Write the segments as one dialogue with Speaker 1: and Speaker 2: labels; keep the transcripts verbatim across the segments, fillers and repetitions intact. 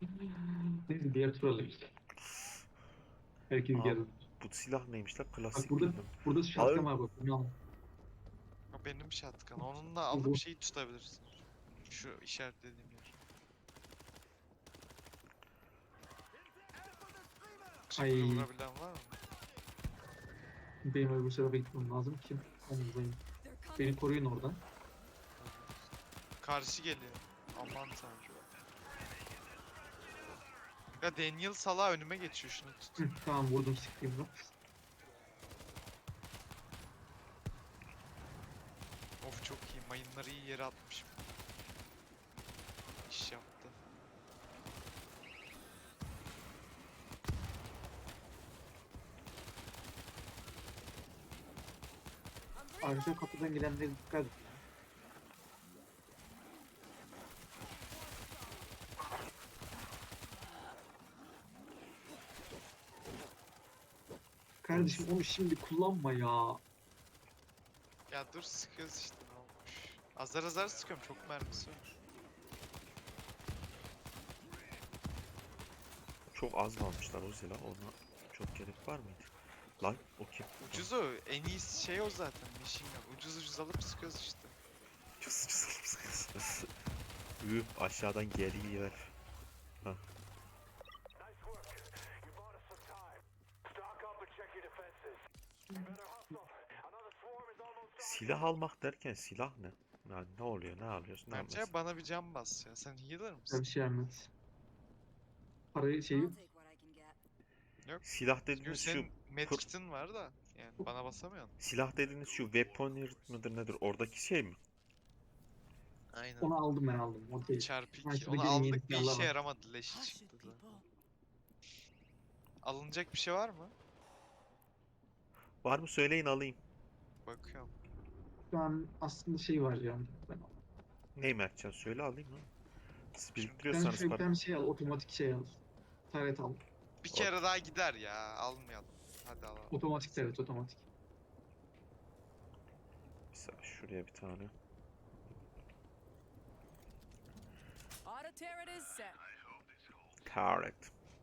Speaker 1: Neyse diğer tur alayım. Herkes
Speaker 2: Aa,
Speaker 1: geldi.
Speaker 2: bu silah neymiş lan?
Speaker 1: Bak
Speaker 2: Klasik
Speaker 1: burada
Speaker 2: bilmem.
Speaker 1: burada
Speaker 2: Hayır.
Speaker 1: şatkan var bak. Bunu al.
Speaker 3: O benim şatkan. Onunla
Speaker 1: Bu
Speaker 3: alıp
Speaker 1: bu.
Speaker 3: şeyi tutabilirsin. Şu işaretlediğim yer. Çıktı
Speaker 1: Ay
Speaker 3: vurabilen var mı?
Speaker 1: benim öbür tarafa gitmem lazım ki. Omuzlayım. Beni koruyun oradan.
Speaker 3: Karşı geliyor. Aman tanrım. Ya Daniel Sala önüme geçiyor, şunu tut.
Speaker 1: Hı, tamam vurdum sıkayım da.
Speaker 3: Of çok iyi. Mayınları iyi yere atmışım. İş yaptı.
Speaker 1: Arka kapıdan gelenlere dikkat et. Kardeşim onu şimdi kullanma ya.
Speaker 3: Ya dur, sıkıyoruz işte, ne olmuş. Azar azar sıkıyorum, çok mermisi var.
Speaker 2: Çok az mı almışlar o silah? Ona çok gerek var mıydı? Lan o kim?
Speaker 3: Ucuz o. En iyisi şey o zaten. Machine gun. Ucuz ucuz alıp sıkıyoruz işte.
Speaker 2: Cız cız cız cız. Üh, aşağıdan geliyor. Hah. Silah almak derken silah ne? Yani ne oluyor? Ne alıyorsun? Ne
Speaker 3: Bence
Speaker 2: alıyorsun?
Speaker 3: bana bir can bas ya. Sen healer
Speaker 1: Ben
Speaker 3: mısın?
Speaker 1: bir şey vermez. Parayı şeyi
Speaker 4: I'll take what I can get.
Speaker 3: Yok.
Speaker 2: Silah
Speaker 3: Çünkü
Speaker 2: dediğiniz şu
Speaker 3: senin
Speaker 2: pır,
Speaker 3: medkit'in var da. Yani bana basamıyorsun.
Speaker 2: silah dediğiniz şu weaponeer mıdır nedir? Oradaki şey mi?
Speaker 3: Aynen.
Speaker 1: onu aldım ben aldım. O değil.
Speaker 3: Çarpı
Speaker 1: Ben
Speaker 3: iki.
Speaker 1: şurada
Speaker 3: Onu
Speaker 1: gelin yeni
Speaker 3: aldık, bir
Speaker 1: silahlar
Speaker 3: işe
Speaker 1: var.
Speaker 3: yaramadı. Leşi çıktı da. Alınacak bir şey var mı?
Speaker 2: Var mı söyleyin alayım.
Speaker 3: Bakıyorum.
Speaker 1: Şu an aslında şey var yani. Ben
Speaker 2: Ney Mertcan söyle alayım lan. Siz
Speaker 3: Şimdi
Speaker 1: sen
Speaker 2: biriktiriyorsanız
Speaker 1: şöyle bir
Speaker 2: para.
Speaker 1: tane şey al. Otomatik şey al. Taret al.
Speaker 3: Bir
Speaker 2: O-
Speaker 3: kere daha gider ya. Almayalım. Hadi alalım.
Speaker 1: Otomatik taret otomatik.
Speaker 2: Mesela şuraya bir tane.
Speaker 4: Auto turret is set.
Speaker 2: Correct.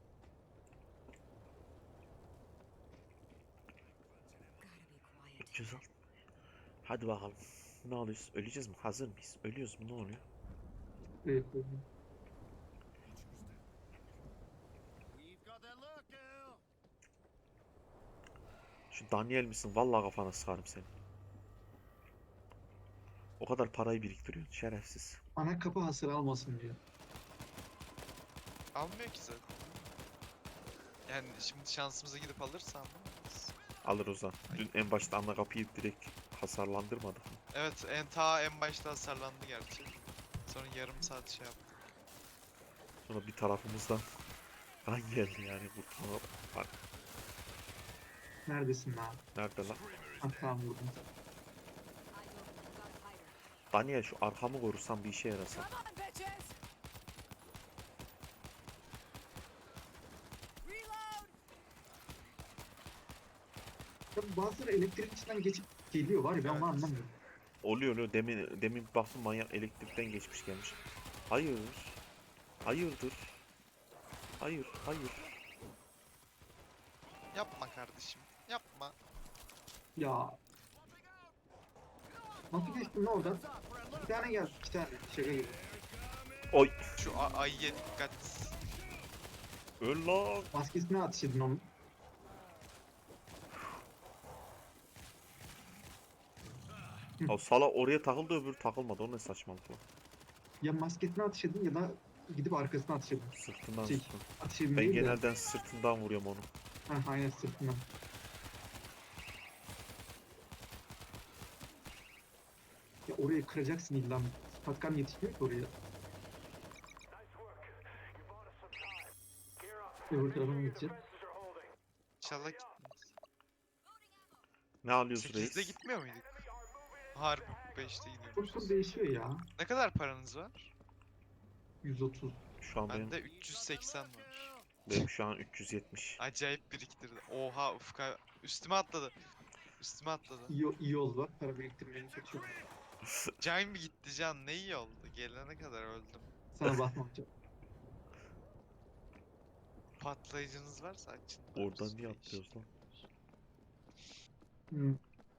Speaker 4: Gotta be quiet.
Speaker 2: üç yüz al. Hadi bakalım. Ne oluyoruz? Öleceğiz mi? Hazır mıyız? Ölüyoruz mu? Ne oluyor?
Speaker 1: Evet, evet.
Speaker 2: Şu Daniel misin? Vallahi kafana sıkarım seni. O kadar parayı biriktiriyorsun. Şerefsiz.
Speaker 1: Ana kapı hasar almasın diyor.
Speaker 3: Almıyor ki zaten. Yani şimdi şansımıza gidip alırsam alırız.
Speaker 2: Alır o zaman. Dün en başta ana kapıyı direkt hasarlandırmadık mı?
Speaker 3: Evet, en ta en başta hasarlandı gerçi. Sonra yarım saat şey yaptı.
Speaker 2: Sonra bir tarafımızdan kan geldi yani kurtulma. Bak
Speaker 1: Neredesin lan?
Speaker 2: nerede lan?
Speaker 1: Ha, tamam vurdum.
Speaker 4: I don't got higher.
Speaker 2: Daniel şu arkamı korursan bir işe yarasa.
Speaker 4: Come on, bitches! Reload!
Speaker 1: Ya bazıları elektrik içinden geçip geliyor var ya ben onu
Speaker 3: Evet.
Speaker 1: anlamıyorum.
Speaker 2: Oluyor oluyor. Demin, demin bir baktım manyak elektrikten geçmiş gelmiş. Hayır. Hayırdır? Hayır, hayır.
Speaker 3: Yapma kardeşim. Yapma.
Speaker 1: Ya. Nasıl geçtin lan oradan? Bir tane geldi, iki tane. Şaka gibi.
Speaker 2: Oy.
Speaker 3: Şu a- ayıya dikkat.
Speaker 2: Öl lan.
Speaker 1: Maskesine ateş edin onun.
Speaker 2: Ya sala oraya takıldı öbürü takılmadı. O ne saçmalık lan.
Speaker 1: Ya maskesine ateş edin ya da gidip arkasına ateş edin.
Speaker 2: Sırtından
Speaker 1: Şey,
Speaker 2: sırtından.
Speaker 1: ateş edin
Speaker 2: Ben
Speaker 1: değil de.
Speaker 2: genelden sırtından vuruyorum onu.
Speaker 1: Ha, aynen sırtından. Ya orayı kıracaksın illa. Patkan yetişmiyor ki oraya. Öbür tarafa mı gideceğiz?
Speaker 3: İnşallah gitmeyiz.
Speaker 2: Ne alıyoruz
Speaker 3: sekizde
Speaker 2: reis?
Speaker 3: gitmiyor muyduk? Harbi beşte
Speaker 1: Tur
Speaker 3: gidiyoruz.
Speaker 1: tur değişiyor ya.
Speaker 3: Ne kadar paranız var?
Speaker 1: yüz otuz.
Speaker 2: Şu an benim,
Speaker 3: Bende üç yüz seksen var.
Speaker 2: benim şu an üç yüz yetmiş.
Speaker 3: Acayip biriktirdi. Oha, ufka üstüme atladı. Üstüme atladı.
Speaker 1: İyi, iyi oldu bak. Para biriktirmeyi kaçıyor.
Speaker 3: Can bir gitti, can ne iyi oldu. Gelene kadar öldüm.
Speaker 1: Sana basmam canım.
Speaker 3: Patlayıcınız varsa açın.
Speaker 2: Oradan niye atlıyoruz lan?
Speaker 1: Hmm.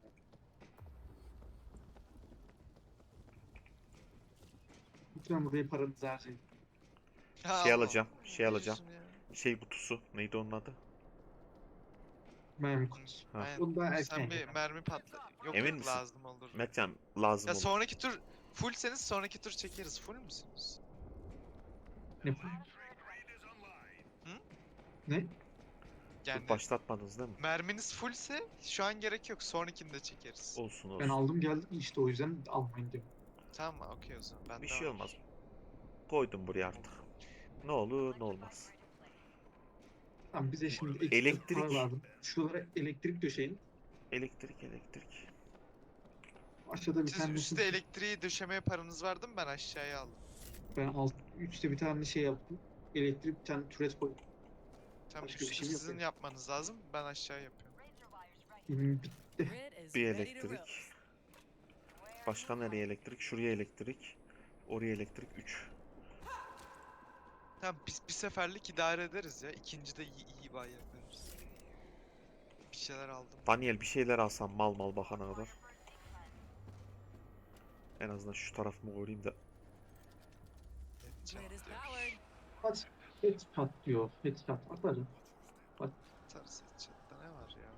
Speaker 1: Lütfen buraya paranızı harcayın.
Speaker 3: Ya
Speaker 2: Şey
Speaker 3: Allah,
Speaker 2: alacağım, şey
Speaker 3: ne
Speaker 2: alacağım.
Speaker 3: diyorsun ya?
Speaker 2: Şey kutusu. Neydi onun adı?
Speaker 1: Mermi kutusu.
Speaker 2: Ha.
Speaker 3: Aynen.
Speaker 1: Onu daha erken
Speaker 3: Sen bir
Speaker 1: yapalım.
Speaker 3: mermi patla. Yok
Speaker 2: Emin
Speaker 3: yok
Speaker 2: misin?
Speaker 3: lazım olur.
Speaker 2: Mertcan lazım
Speaker 3: Ya
Speaker 2: olur.
Speaker 3: sonraki tur fullseniz sonraki tur çekeriz. Full müsünüz?
Speaker 1: Ne?
Speaker 3: Hı?
Speaker 1: Ne?
Speaker 3: Yani
Speaker 2: Başlatmadınız değil mi?
Speaker 3: merminiz fullse şu an gerek yok. Sonrakini çekeriz.
Speaker 2: Olsun olsun.
Speaker 1: Ben aldım geldim işte o yüzden almayın diyorum.
Speaker 3: Tamam okey o zaman. Ben
Speaker 2: Bir
Speaker 3: de
Speaker 2: şey
Speaker 3: var.
Speaker 2: olmaz. Koydum buraya artık. Ne olur ne olmaz.
Speaker 1: Tamam bize şimdi ekstra
Speaker 2: Elektrik.
Speaker 1: para lazım. Şuralara elektrik döşeyin.
Speaker 2: Elektrik elektrik.
Speaker 1: Aşağıda bir
Speaker 3: Siz
Speaker 1: tane
Speaker 3: üstte elektriği döşemeye paranız vardı mı? Ben aşağıya aldım.
Speaker 1: ben alt üstte bir tane şey yaptım. Elektrik bir tane türet koydum.
Speaker 3: Tam
Speaker 1: Başka bir
Speaker 3: üstü
Speaker 1: şey yok
Speaker 3: sizin
Speaker 1: yani.
Speaker 3: yapmanız lazım. Ben aşağı yapıyorum.
Speaker 1: Benim bitti.
Speaker 4: Grid is
Speaker 2: Bir
Speaker 4: ready to
Speaker 2: elektrik.
Speaker 4: roast.
Speaker 2: Başka nereye elektrik? Şuraya elektrik. Oraya elektrik üç.
Speaker 3: Tamam biz bir seferlik idare ederiz ya. İkinci de iyi, iyi bay yaparız. Bir şeyler aldım.
Speaker 2: Daniel bir şeyler alsam mal mal bakana kadar. En azından şu tarafımı koruyayım da.
Speaker 4: Grid is powered.
Speaker 1: Kaç headshot diyor. Headshot atarım.
Speaker 3: Atarız chatte ne var ya?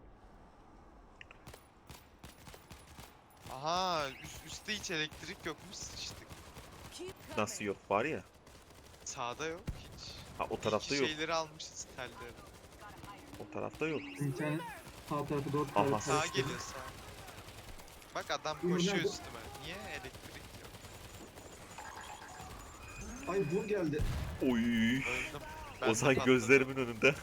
Speaker 3: Aha üst, üstte hiç elektrik yokmuş sıçtık.
Speaker 4: Keep
Speaker 2: Nasıl
Speaker 4: coming.
Speaker 2: yok var ya.
Speaker 3: Sağda yok hiç.
Speaker 2: Ha o
Speaker 3: İyi
Speaker 2: tarafta
Speaker 3: ki
Speaker 2: yok.
Speaker 3: şeyleri almışız telleri.
Speaker 2: O tarafta yok.
Speaker 1: Bir tane sağ tarafı dört
Speaker 2: Aha.
Speaker 1: tane
Speaker 3: Sağa
Speaker 1: karıştırdım.
Speaker 3: geliyor sağa. Bak adam
Speaker 1: Buyur,
Speaker 3: koşuyor
Speaker 1: nerede?
Speaker 3: üstüme. Niye elektrik yok?
Speaker 1: Ay bu geldi.
Speaker 2: Oy.
Speaker 3: Öldüm. Ben de
Speaker 2: Ozan
Speaker 3: patladım.
Speaker 2: gözlerimin önünde.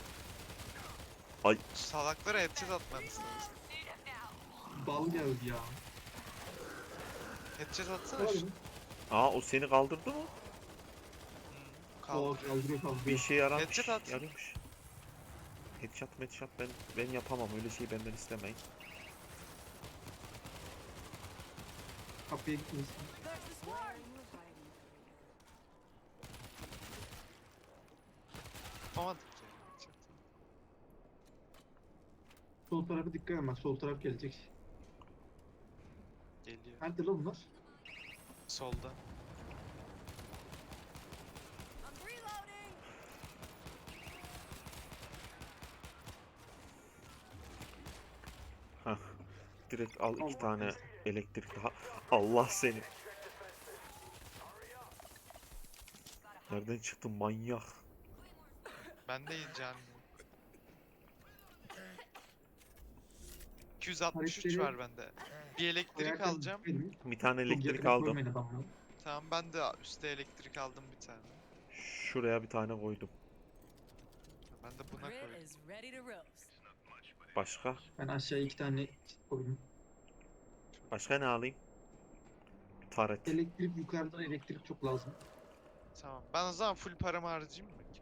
Speaker 3: Şu salaklara headshot atmanız lazım.
Speaker 1: Bal geldi ya.
Speaker 3: Headshot atsana
Speaker 1: Var
Speaker 3: şu.
Speaker 1: mı?
Speaker 2: Aa o seni kaldırdı mı?
Speaker 3: Hmm,
Speaker 1: O
Speaker 3: kaldı.
Speaker 1: kaldırıyor
Speaker 2: Bir
Speaker 1: kaldırıyor.
Speaker 2: işe yaramış.
Speaker 3: Headshot at.
Speaker 2: Yarıyormuş. Headshot headshot ben ben yapamam öyle şeyi benden istemeyin.
Speaker 1: Kapıya gitmesin.
Speaker 4: There's the swarm.
Speaker 3: Yapamadık ya. headshot.
Speaker 1: Sol tarafa dikkat edin bak sol taraf gelecek.
Speaker 3: Geliyor.
Speaker 1: Nerede lan bunlar?
Speaker 3: Solda.
Speaker 4: I'm reloading.
Speaker 2: Hah. Direkt al iki
Speaker 1: Allah
Speaker 2: tane
Speaker 1: kahretsin.
Speaker 2: elektrik daha. Allah seni. Nereden çıktın manyak?
Speaker 3: Ben de can. iki yüz altmış üç
Speaker 1: Hareketleri-
Speaker 3: var bende. Bir elektrik
Speaker 1: Ayakta
Speaker 3: alacağım.
Speaker 1: gitmeyin.
Speaker 2: Bir tane
Speaker 1: Çok
Speaker 2: elektrik
Speaker 1: yakına
Speaker 2: aldım.
Speaker 1: koymayın adamları.
Speaker 3: Tamam ben de üstte elektrik aldım bir tane.
Speaker 2: Şuraya bir tane koydum.
Speaker 3: Ben de buna
Speaker 4: Grid
Speaker 3: koydum.
Speaker 4: is ready to roast.
Speaker 2: Başka?
Speaker 1: Ben aşağıya iki tane koydum.
Speaker 2: Başka ne alayım? Taret.
Speaker 1: Elektrik yukarıdan elektrik çok lazım.
Speaker 3: Tamam. Ben o zaman full paramı harcayayım mı ki?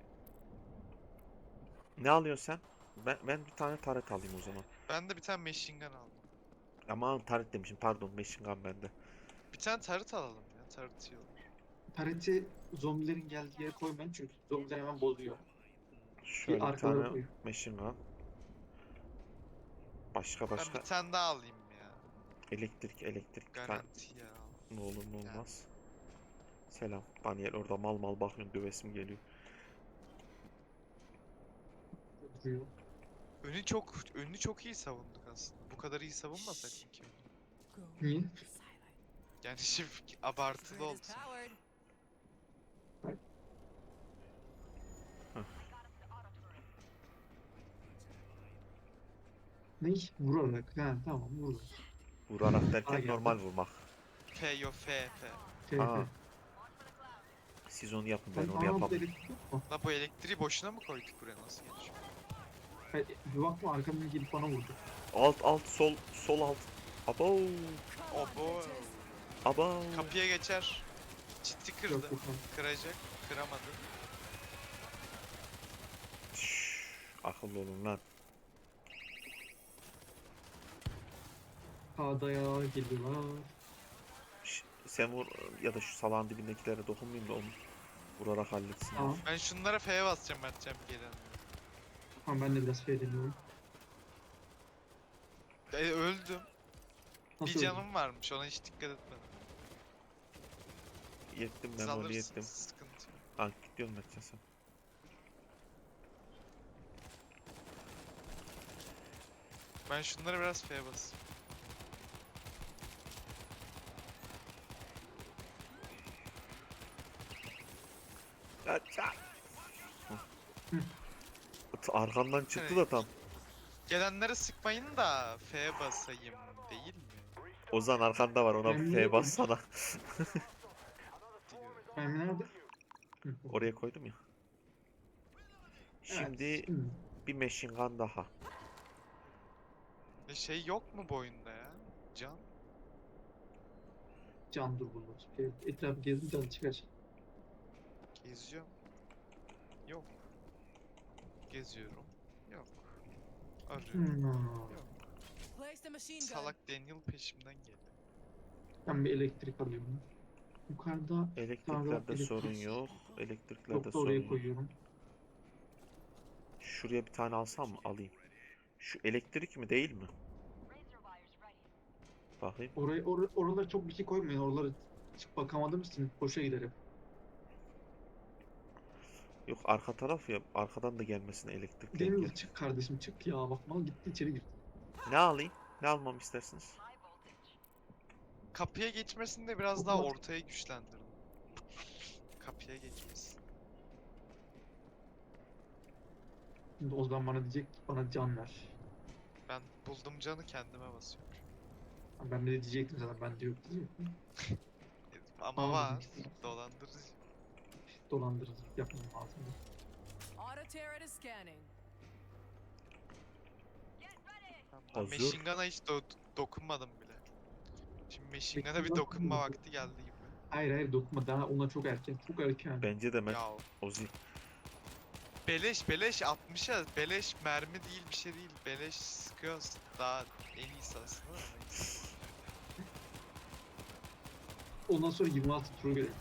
Speaker 2: Ne alıyorsun sen? Ben, ben bir tane taret alayım o zaman.
Speaker 3: Ben de bir tane machine gun aldım.
Speaker 2: Aman taret demişim pardon machine gun bende.
Speaker 3: Bir tane tarıt alalım ya. Tarıt iyi olur.
Speaker 1: Tareti zombilerin geldiği yere koymayın çünkü zombiler hemen bozuyor.
Speaker 2: Şöyle bir
Speaker 1: arkalara
Speaker 2: tane
Speaker 1: koy.
Speaker 2: machine gun. Başka
Speaker 3: Ben
Speaker 2: başka
Speaker 3: bir tane daha alayım ya.
Speaker 2: elektrik elektrik bir tane
Speaker 3: Garanti ya.
Speaker 2: ne olur ne olmaz. Selam Daniel orada mal mal bakıyorsun dövesim geliyor.
Speaker 1: Duruyor.
Speaker 3: Önü çok önünü çok iyi savunduk aslında. Bu kadar iyi savunmasak mı ki?
Speaker 4: Go
Speaker 1: Niye?
Speaker 4: silent.
Speaker 3: Yani şimdi
Speaker 4: Grid
Speaker 3: abartılı
Speaker 4: is
Speaker 3: olsun.
Speaker 4: powered.
Speaker 1: Ne? Vurarak. Ha tamam vurarak.
Speaker 2: Vurarak
Speaker 1: Aa,
Speaker 2: derken
Speaker 1: geldi.
Speaker 2: normal vurmak.
Speaker 3: F yo F F.
Speaker 1: Şey,
Speaker 2: Aa,
Speaker 1: şey.
Speaker 2: Siz onu yapın ben
Speaker 1: Sen
Speaker 2: onu
Speaker 1: aa,
Speaker 2: yapamam.
Speaker 1: elektrik yok mu?
Speaker 3: La bu elektriği boşuna mı koyduk buraya nasıl geçiyor?
Speaker 1: Hayır, bir bakma arkamdan gelip bana vurdu.
Speaker 2: Alt alt sol sol alt. Abo
Speaker 4: Come on,
Speaker 3: Obo.
Speaker 4: bitches.
Speaker 2: abo.
Speaker 3: Kapıya geçer. Ciddi kırdı.
Speaker 1: Yok yok. yok.
Speaker 3: Kıracak. Kıramadı.
Speaker 2: Şşş, akıllı olun lan.
Speaker 1: Sağda ya geliyorlar.
Speaker 2: Şş, sen vur ya da şu salağın dibindekilere dokunmayayım da onu Vurarak halletsin.
Speaker 1: Tamam.
Speaker 3: Ben şunlara F'ye basacağım Mertcan gelen.
Speaker 1: Tamam ben de biraz şey deniyorum.
Speaker 3: E, öldüm.
Speaker 1: Nasıl
Speaker 3: Bir
Speaker 1: öldün?
Speaker 3: canım varmış ona hiç dikkat etmedim.
Speaker 2: Yettim
Speaker 3: Siz
Speaker 2: ben onu
Speaker 3: alırsınız,
Speaker 2: yettim.
Speaker 3: sıkıntı yok.
Speaker 2: Ha gidiyorum Mertcan sen.
Speaker 3: Ben şunlara biraz F'ye basayım.
Speaker 2: Mertcan.
Speaker 1: Hı.
Speaker 2: Arkandan çıktı da tam.
Speaker 3: Gelenlere sıkmayın da F'ye basayım değil mi?
Speaker 2: Ozan arkanda var ona
Speaker 1: Ben
Speaker 2: bir
Speaker 1: niye
Speaker 2: F bassana.
Speaker 3: Diyor.
Speaker 1: Ben nerede? Hı.
Speaker 2: Oraya koydum ya.
Speaker 1: Evet,
Speaker 2: Şimdi
Speaker 1: şimdi.
Speaker 2: bir machine gun daha.
Speaker 3: E şey yok mu bu oyunda ya? Can?
Speaker 1: Can dur bulur. Şey, etrafı gezdim can çıkar.
Speaker 3: Geziyorum. Yok. Geziyorum. Yok. Arıyorum.
Speaker 1: Hmm.
Speaker 3: Yok.
Speaker 4: Place the machine gun.
Speaker 3: Salak Daniel peşimden geliyor.
Speaker 1: Ben bir elektrik alıyorum. Yukarıda
Speaker 2: Elektriklerde
Speaker 1: elektrik-
Speaker 2: sorun yok. Elektriklerde
Speaker 1: yok da
Speaker 2: sorun
Speaker 1: oraya
Speaker 2: yok.
Speaker 1: koyuyorum.
Speaker 2: Şuraya bir tane alsam mı? Alayım. Şu elektrik mi değil mi? Bakayım.
Speaker 1: Oraya or oralara çok bir şey koymayın. Oralara çık bakamadığım için boşa giderim.
Speaker 2: Yok arka taraf ya. Arkadan da gelmesin elektrikler
Speaker 1: Deniz
Speaker 2: gel.
Speaker 1: çık kardeşim çık ya. Bak mal gitti içeri girdi.
Speaker 2: Ne alayım? Ne almamı istersiniz?
Speaker 3: Kapıya geçmesini de biraz
Speaker 1: Çok
Speaker 3: daha
Speaker 1: mat-
Speaker 3: ortaya güçlendirdim. Kapıya geçmesin.
Speaker 1: Şimdi o zaman bana diyecek ki bana can ver.
Speaker 3: Ben buldum canı kendime basıyorum.
Speaker 1: Ben de diyecektim zaten ben de yok diyecektim.
Speaker 3: E, Ama
Speaker 1: Almadım
Speaker 3: var.
Speaker 1: işte.
Speaker 3: Dolandırıcı.
Speaker 1: Dolandırıcılık yapmam lazım.
Speaker 4: Auto turret is scanning.
Speaker 3: Tamam, ben
Speaker 2: Hazır.
Speaker 3: Machine Gun'a hiç do- dokunmadım bile. Şimdi Machine Gun'a bir
Speaker 1: Machine Gun
Speaker 3: dokunma
Speaker 1: kullandım.
Speaker 3: vakti geldi gibi.
Speaker 1: Hayır hayır dokunma daha ona çok erken. Çok erken.
Speaker 2: Bence de Mert.
Speaker 3: Ya
Speaker 2: Ozi.
Speaker 3: beleş beleş altmışa beleş mermi değil bir şey değil. Beleş sıkıyoruz. Daha en iyisi aslında da neyse.
Speaker 1: Ondan sonra yirmi altı turu gerekiyor.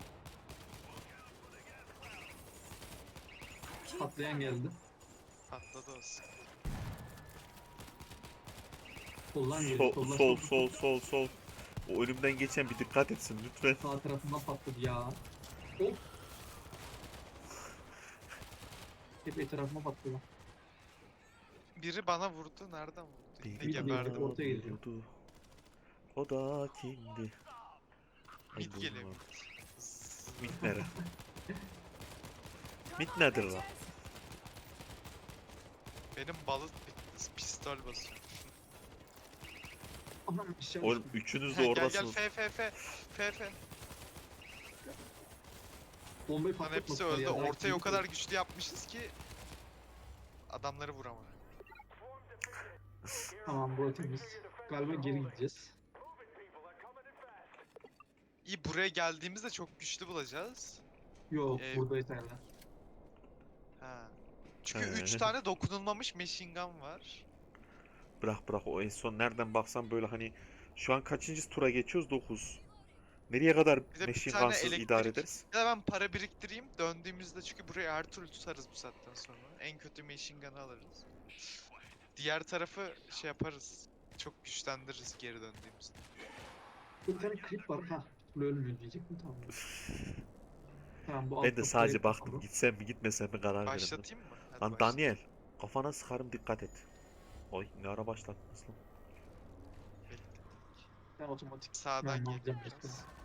Speaker 4: Keep
Speaker 1: Patlayan
Speaker 4: coming.
Speaker 1: geldi.
Speaker 3: Patladı o sıkıntı.
Speaker 1: Soldan geliyor.
Speaker 2: Sol
Speaker 1: Soldan
Speaker 2: sol sol sol sol. O önümden geçen bir dikkat etsin lütfen.
Speaker 1: Sağ tarafından patladı ya. Hop. Hep etrafıma patladı.
Speaker 3: Biri bana vurdu. Nereden vurdu? Yine
Speaker 2: Biri
Speaker 3: geberdim.
Speaker 1: bana ortaya geliyor.
Speaker 2: vurdu. O da kimdi? Ay,
Speaker 3: Mid geliyor.
Speaker 2: bulmadım.
Speaker 3: mid. Zzz.
Speaker 2: Mit nere?
Speaker 4: Come
Speaker 2: Mit
Speaker 4: on,
Speaker 2: nedir lan?
Speaker 4: bitches.
Speaker 3: Benim balık bitti. Pistol basıyor.
Speaker 1: Anam aşağı
Speaker 2: Oğlum
Speaker 1: düştüm.
Speaker 2: üçünüz
Speaker 3: He,
Speaker 2: de
Speaker 3: gel gel
Speaker 2: oradasınız.
Speaker 3: F F F. F F.
Speaker 1: Bombayı
Speaker 3: Lan hepsi
Speaker 1: patlatmadılar
Speaker 3: öldü.
Speaker 1: ya. daha
Speaker 3: Ortayı o
Speaker 1: ikinci-
Speaker 3: kadar güçlü yapmışız ki adamları vuramadı.
Speaker 1: Tamam burası temiz. Galiba geri gideceğiz.
Speaker 3: İyi buraya geldiğimizde çok güçlü bulacağız.
Speaker 1: Yok
Speaker 3: Ee,
Speaker 1: burada yeterli.
Speaker 3: Ha. Çünkü üç
Speaker 2: He.
Speaker 3: tane dokunulmamış machine gun var.
Speaker 2: Bırak bırak o en son nereden baksan böyle hani şu an kaçıncı tura geçiyoruz? dokuz. Nereye kadar
Speaker 3: Bir de bir
Speaker 2: machine
Speaker 3: tane
Speaker 2: gunsız
Speaker 3: elektrik-
Speaker 2: idare ederiz?
Speaker 3: Ya da ben para biriktireyim. Döndüğümüzde çünkü burayı her türlü tutarız bu saatten sonra. En kötü machine gun'ı alırız. Diğer tarafı şey yaparız. Çok güçlendiririz geri döndüğümüzde.
Speaker 1: Bir tane klip var ha. Bu ölmüyor diyecektim tamam. Tamam bu
Speaker 2: Ben
Speaker 1: alt
Speaker 2: de
Speaker 1: kapıda
Speaker 2: sadece
Speaker 1: hep
Speaker 2: baktım
Speaker 1: kapalı.
Speaker 2: gitsem mi gitmesem mi karar veremedim.
Speaker 3: Başlatayım mı? Hadi
Speaker 2: Lan
Speaker 3: başlat.
Speaker 2: Daniel kafana sıkarım dikkat et. Oy ne ara başlattınız lan.
Speaker 3: Bekle.
Speaker 1: Ben otomatik
Speaker 3: Sağdan
Speaker 1: mermi alacağım
Speaker 3: geliyor biraz.
Speaker 1: başka.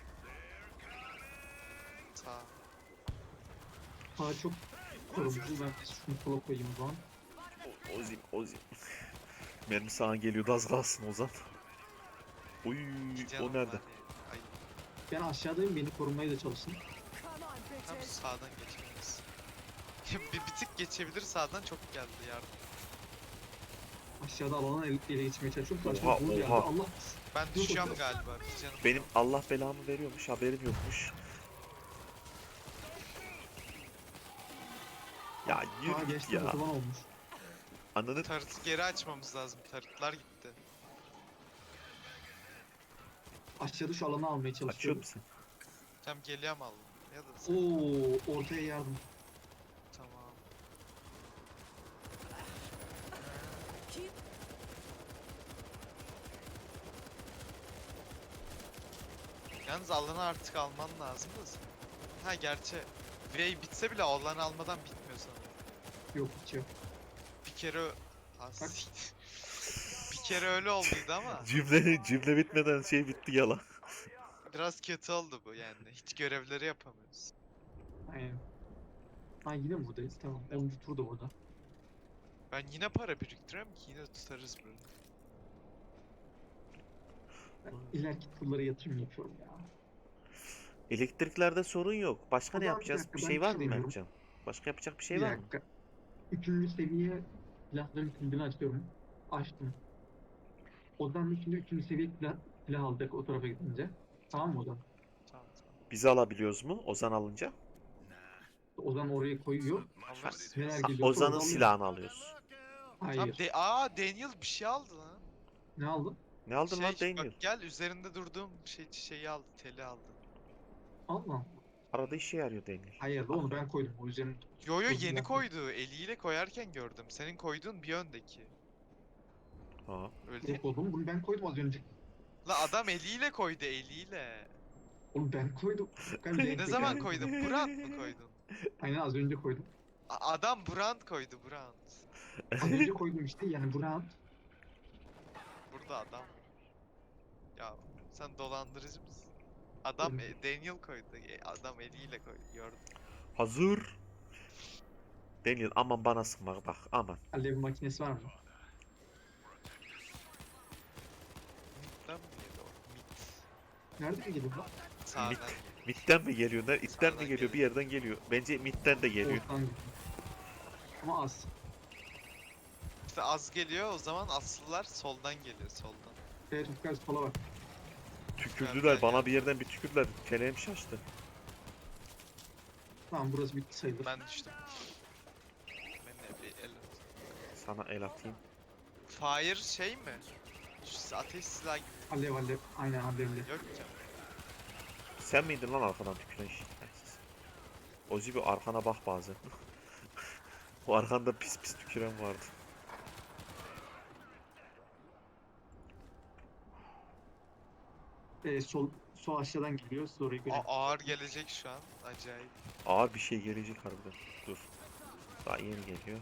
Speaker 3: Sağ.
Speaker 1: Sağ çok korumcu. Ben de şunu sola koyayım o zaman.
Speaker 2: O- Ozim Ozim. Mermi sana geliyordu az kalsın Ozan. Uy
Speaker 3: İki
Speaker 2: o
Speaker 3: canım
Speaker 2: nerede?
Speaker 3: var ya. Ay,
Speaker 1: Ben aşağıdayım beni korumaya da çalışsın.
Speaker 4: Come on,
Speaker 3: tam
Speaker 4: bitches.
Speaker 3: sağdan geçmemiz. bir, bir tık geçebilir sağdan çok geldi yardım.
Speaker 1: Aşağıda alanı ele, ele geçmeye çalışıyorum.
Speaker 2: Oha,
Speaker 1: Karşıma vur geldi.
Speaker 2: oha.
Speaker 1: Allah.
Speaker 3: Ben
Speaker 1: Dur
Speaker 3: düşüyorum
Speaker 1: bakalım.
Speaker 3: galiba bir canım.
Speaker 2: Benim Allah belamı veriyormuş haberim yokmuş. Ya
Speaker 1: Aa
Speaker 2: yürü git
Speaker 1: geçti
Speaker 2: ya.
Speaker 1: otoban olmuş.
Speaker 2: Ananı
Speaker 3: Tarıtı geri açmamız lazım. Tarıtlar gitti.
Speaker 1: Aşağıda şu alanı almaya
Speaker 2: açıyor
Speaker 1: çalışıyorum.
Speaker 2: musun?
Speaker 3: Tam geliyorum aldım. Ya da sen.
Speaker 1: Oo, ortaya yardım.
Speaker 3: Tamam.
Speaker 4: Keep
Speaker 3: Yalnız alanı artık alman lazım da sen. Ha gerçi Wave bitse bile alanı almadan bitmiyor sanırım.
Speaker 1: Yok hiç yok.
Speaker 3: Bir kere ö- Ha, siktir. Bir kere öyle olduydu ama
Speaker 2: Cümle, cümle bitmeden şey bitti yalan.
Speaker 3: biraz kötü oldu bu yani. Hiç görevleri yapamıyoruz.
Speaker 1: Aynen. Ha yine mi buradayız? Tamam. onuncu tur da burada.
Speaker 3: Ben yine para biriktiriyorum ki yine tutarız böyle.
Speaker 1: Ben ileriki turlara yatırım yapıyorum ya.
Speaker 2: Elektriklerde sorun yok. Başka
Speaker 1: O
Speaker 2: ne
Speaker 1: zaman bir
Speaker 2: yapacağız?
Speaker 1: dakika,
Speaker 2: Bir
Speaker 1: ben
Speaker 2: şey
Speaker 1: bir
Speaker 2: var
Speaker 1: şey
Speaker 2: mı
Speaker 1: deniyorum.
Speaker 2: Mertcan? Başka yapacak bir şey
Speaker 1: Bir
Speaker 2: var mı?
Speaker 1: dakika. Üçüncü seviye silahların kilidini açıyorum. Açtım. O zaman şimdi üçüncü seviye silah, silah alacak o tarafa gidince. Tamam mı o zaman?
Speaker 3: Tamam tamam.
Speaker 2: Biz alabiliyoruz mu Ozan alınca?
Speaker 1: O zaman oraya koyuyor.
Speaker 3: Alırız.
Speaker 1: Neler
Speaker 2: Ha,
Speaker 1: geliyorsa
Speaker 2: Ozan'ın
Speaker 1: orada alıyor.
Speaker 2: silahını alıyoruz.
Speaker 3: Tamam
Speaker 1: Hayır.
Speaker 3: de Aa Daniel bir şey aldı lan.
Speaker 1: Ne aldın?
Speaker 2: Ne aldın
Speaker 3: Şey
Speaker 2: lan
Speaker 3: bak
Speaker 2: Daniel?
Speaker 3: gel üzerinde durduğum şey şeyi aldı, teli aldı.
Speaker 1: Allah.
Speaker 2: Arada işe yarıyor Daniel.
Speaker 1: Hayır da onu ben koydum. O yüzden
Speaker 3: Yo yo
Speaker 1: O
Speaker 3: yeni
Speaker 1: silah-
Speaker 3: koydu. Eliyle koyarken gördüm. Senin koyduğun bir öndeki.
Speaker 2: Ha.
Speaker 3: Öyle değil
Speaker 1: yok
Speaker 3: mi?
Speaker 1: oğlum bunu ben koydum az önce.
Speaker 3: La adam eliyle koydu eliyle.
Speaker 1: Oğlum ben koydum. Ben
Speaker 2: Ne
Speaker 1: renk
Speaker 3: Ne zaman
Speaker 1: tekrarı-
Speaker 3: koydun? Brand mı koydun?
Speaker 1: Aynen az önce koydum.
Speaker 3: A- adam brand koydu brand.
Speaker 1: Az önce koydum işte yani Brown.
Speaker 3: Burada adam. Ya sen dolandırıcı mısın? Adam e, Daniel koydu. E, adam eliyle koydu. Gördüm.
Speaker 2: Hazır. Daniel aman bana sıkma bak aman.
Speaker 1: Alev makinesi var mı?
Speaker 3: Mid'den mi geliyor? Mid.
Speaker 1: Nereden geliyor lan?
Speaker 3: Sağdan
Speaker 2: Mid.
Speaker 3: geliyor.
Speaker 2: Mid'den mi geliyor? Ne? İtten mi
Speaker 3: Sağdan
Speaker 2: geliyor? Bir yerden geliyor. Bence mid'den de geliyor.
Speaker 1: Ortadan geliyor. Ama az.
Speaker 3: İşte az geliyor o zaman aslılar soldan geliyor soldan.
Speaker 1: Evet Ufkar sola bak.
Speaker 2: Tükürdüler
Speaker 3: Ben-
Speaker 2: bana bir yerden bir tükürdüler. Çenem şaştı.
Speaker 1: Tamam burası bitti sayılır.
Speaker 3: Ben düştüm. Ben de bir el at-
Speaker 2: Sana el atayım.
Speaker 3: Fire şey mi? Şu ateş silahı gibi.
Speaker 1: Alev alev. Aynen alevli.
Speaker 3: Yok canım.
Speaker 2: Sen miydin lan arkadan tüküren şey? Ozi bir arkana bak bazen. O arkanda pis pis tüküren vardı.
Speaker 1: Ee, sol, sol aşağıdan geliyor. Sonra oraya göre.
Speaker 3: A- ağır gelecek şu an. Acayip.
Speaker 2: Ağır bir şey gelecek harbiden. Dur. Daha yeni geliyor.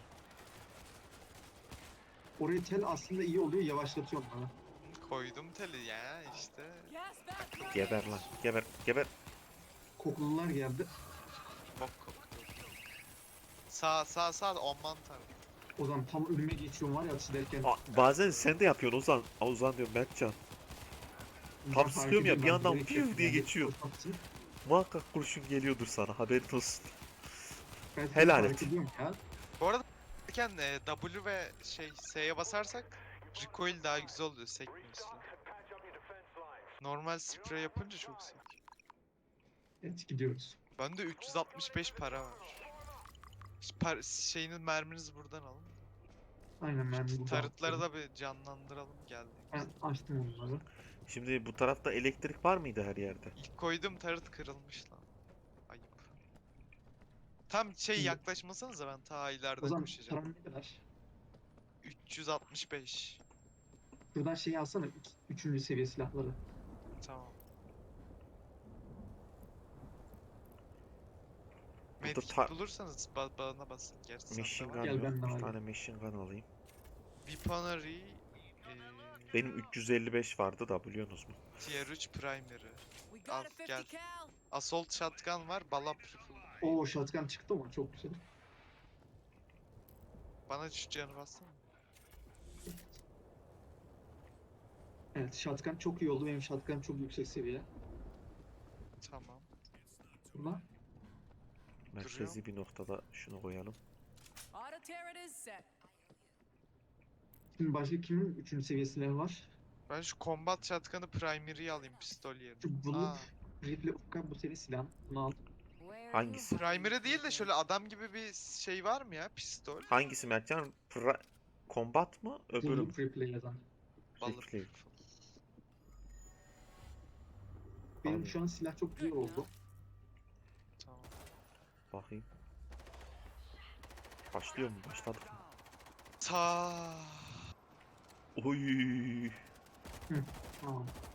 Speaker 1: Oraya tel aslında iyi oluyor. Yavaşlatıyor bana.
Speaker 3: Koydum teli ya işte.
Speaker 4: gas back running.
Speaker 2: Geber lan. Geber. Geber.
Speaker 1: Kokulular geldi.
Speaker 3: Bok koktu. Sağ sağ sağ on mantar.
Speaker 1: O zaman tam önüme geçiyorum var ya atış ederken.
Speaker 2: Aa, bazen sen de yapıyorsun Ozan. Aa, Ozan diyorum Mertcan.
Speaker 1: Ben
Speaker 2: tam
Speaker 1: fark
Speaker 2: sıkıyorum ya,
Speaker 1: ediyorum,
Speaker 2: bir
Speaker 1: ben
Speaker 2: yandan
Speaker 1: bilerek
Speaker 2: piu
Speaker 1: yapıyorum.
Speaker 2: diye
Speaker 1: Yani
Speaker 2: geçiyor.
Speaker 1: koşmak için.
Speaker 2: Muhakkak kurşun geliyordur sana. Haberin olsun.
Speaker 1: Ben seni
Speaker 2: Helal
Speaker 1: fark
Speaker 2: et.
Speaker 1: ediyorum ya.
Speaker 3: Bu arada derken e, W ve şey S'ye basarsak recoil daha güzel oluyor sekmiyor silah. Normal sprey yapınca çok sek.
Speaker 1: Evet gidiyoruz.
Speaker 3: Bende üç yüz altmış beş para var. Ş- Par şeyinin merminizi buradan alın.
Speaker 1: Aynen ben burada.
Speaker 3: Tarıtları da bir canlandıralım geldi.
Speaker 1: Ben açtım onları.
Speaker 2: Şimdi bu tarafta elektrik var mıydı her yerde?
Speaker 3: İlk koyduğum tarıt kırılmış lan. Ayıp. Tam şey
Speaker 1: Şimdi-
Speaker 3: yaklaşmasanıza ben ta
Speaker 1: O
Speaker 3: ileride
Speaker 1: zaman
Speaker 3: koşacağım.
Speaker 1: param ne kadar?
Speaker 3: üç yüz altmış beş.
Speaker 1: Şuradan şeyi alsana. Üç, üçüncü seviye silahları.
Speaker 3: Tamam.
Speaker 2: Burada
Speaker 3: Medkit
Speaker 2: ta-
Speaker 3: bulursanız ba bana basın. Gerçi sende
Speaker 2: Machine
Speaker 3: var.
Speaker 2: gun
Speaker 1: Gel
Speaker 2: yok.
Speaker 1: ben de
Speaker 2: Bir
Speaker 1: alayım.
Speaker 2: tane machine gun alayım.
Speaker 3: Weaponry, eee,
Speaker 2: Benim üç yüz elli beş vardı da biliyorsunuz mu?
Speaker 3: Tier üç Primary.
Speaker 4: We
Speaker 3: Al,
Speaker 4: got a
Speaker 3: gel.
Speaker 4: fifty cal.
Speaker 3: Assault Shotgun var, Ballap Rifle.
Speaker 1: Oo shotgun çıktı mı? Çok güzel.
Speaker 3: Bana şu canı bassana.
Speaker 1: Evet shotgun çok iyi oldu. Benim shotgun çok yüksek seviye.
Speaker 3: Tamam.
Speaker 1: Buna
Speaker 2: Merkezi bir noktada şunu koyalım.
Speaker 4: Auto turret is set.
Speaker 1: şimdi başka kimin üçüncü seviye silahı var?
Speaker 3: Ben şu Combat Shotgun'ı Primary'yi alayım pistol yerine.
Speaker 1: Şu
Speaker 3: Aa,
Speaker 1: bulut rifle Ufka bu seviye silah. Bunu al.
Speaker 4: Where
Speaker 2: Hangisi?
Speaker 4: you hiding,
Speaker 3: Primary değil de
Speaker 4: kid?
Speaker 3: şöyle adam gibi bir şey var mı ya pistol?
Speaker 2: Hangisi Mertcan? Pra- Combat mı? Öbürü mü?
Speaker 1: Bulut rifle yazan.
Speaker 3: Ballap
Speaker 2: Rifle.
Speaker 3: Rifle.
Speaker 1: Benim
Speaker 2: Abi.
Speaker 1: şu an silah çok güzel oldu.
Speaker 3: Tamam.
Speaker 2: Bakayım. Başlıyor mu? Başladık mı?
Speaker 3: Ta.
Speaker 2: Oy.
Speaker 1: Tamam.